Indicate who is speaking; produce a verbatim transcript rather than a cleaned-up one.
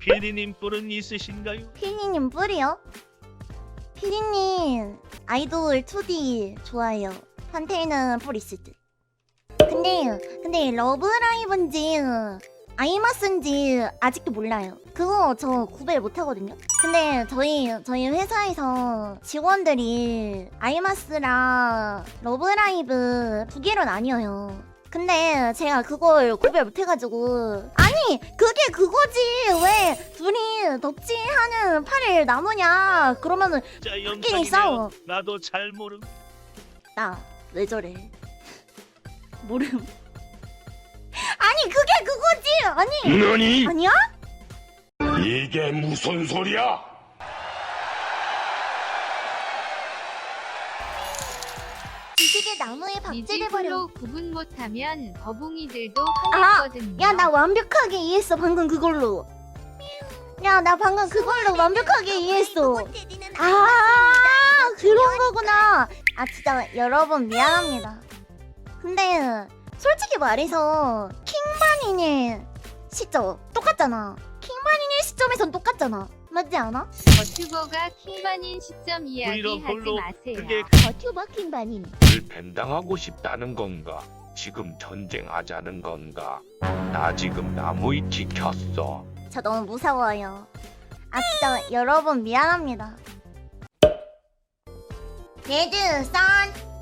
Speaker 1: 피디님 뿔은 있으신가요?
Speaker 2: 피디님 뿔이요? 피디님 아이돌 투디 좋아해요. 판테이는 뿔 있을 듯. 근데 근데 러브라이브인지 아이마스인지 아직도 몰라요. 그거 저 구별 못하거든요. 근데 저희 저희 회사에서 직원들이 아이마스랑 러브라이브 두 개로 나뉘어요. 근데 제가 그걸 구별 못해가지고 아니 그게 그거지 왜 둘이 덕질하는 팔을 나누냐 그러면은
Speaker 1: 자
Speaker 2: 끼리 싸워.
Speaker 1: 영상이네요. 나도 잘 모름.
Speaker 2: 나 왜 저래 모름. 아니 그게 그거지. 아니
Speaker 3: 너니?
Speaker 2: 아니야?
Speaker 3: 이게 무슨 소리야?
Speaker 2: 지식의 나무에 박제돼버려.
Speaker 4: 니지플로 구분 못하면 거북이들도
Speaker 2: 아,
Speaker 4: 화냈거든요.
Speaker 2: 야 나 완벽하게 이해했어 방금 그걸로. 야 나 방금 그걸로 완벽하게 이해했어. 아 그런 거구나. 아 진짜 여러분 미안합니다. 근데 솔직히 말해서 킹바니네 시점 똑같잖아. 킹바니네 시점에선 똑같잖아. 맞지 않아?
Speaker 4: 버튜버가 킹반인 시점 이야기
Speaker 1: 브이로그
Speaker 4: 하지
Speaker 1: 홀로
Speaker 4: 마세요.
Speaker 1: 그게
Speaker 2: 버튜버 킹바닌.
Speaker 5: 을 밴당하고 싶다는 건가? 지금 전쟁하자는 건가? 나 지금 나무위키 켰어.
Speaker 2: 저 너무 무서워요. 아 진짜 여러분 미안합니다. 레드 선